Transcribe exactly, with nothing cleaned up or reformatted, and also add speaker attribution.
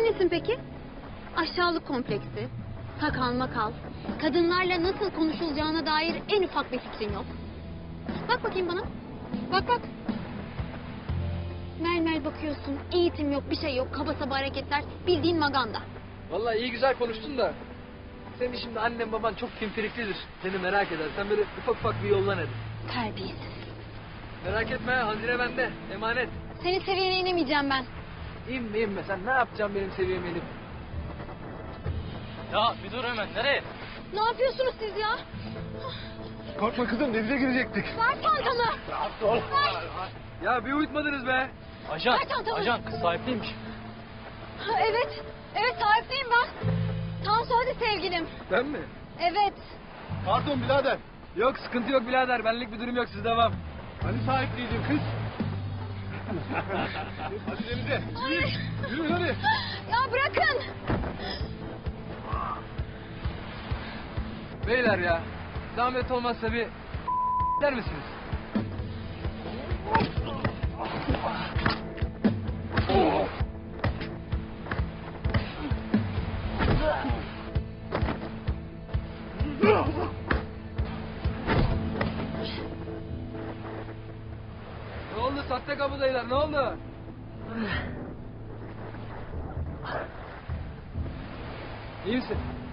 Speaker 1: nesin peki? Aşağılık kompleksi, sakal makal, kadınlarla nasıl konuşulacağına dair en ufak bir fikrin yok. Bak bakayım bana. Bak bak. Mel mel bakıyorsun, eğitim yok, bir şey yok, kaba saba hareketler, bildiğin maganda.
Speaker 2: Vallahi iyi güzel konuştun da. Senin şimdi annen baban çok pimpiriklidir. Seni merak eder. Sen böyle ufak ufak bir yollan hadi.
Speaker 1: Terbiyesiz.
Speaker 2: Merak etme, hazine bende. Emanet.
Speaker 1: Senin seviyene inemeyeceğim ben.
Speaker 2: İnme inme. Sen ne yapacaksın benim seviyeme inip?
Speaker 3: Ya bir dur hemen, nereye?
Speaker 1: Ne yapıyorsunuz siz ya?
Speaker 4: Korkma kızım, denize girecektik.
Speaker 1: Ver çantamı.
Speaker 2: Ya bir uyutmadınız be.
Speaker 3: Ajan,
Speaker 1: Ver çantamı.
Speaker 3: ajan kız sahipliymiş.
Speaker 1: Ha, evet, evet sahipliyim ben. Tansu hadi sevgilim.
Speaker 2: Ben mi?
Speaker 1: Evet.
Speaker 4: Pardon birader.
Speaker 2: Yok sıkıntı yok birader. Benlik bir durum yok. Siz devam.
Speaker 4: Hani sahipliydin kız? Hadi denize. Yürü, yürü hadi.
Speaker 1: Ya bırakın.
Speaker 2: Beyler ya. Zahmet olmazsa bir der misiniz? Ne oldu sahte kapıdayılar? Ne oldu? İyi misin?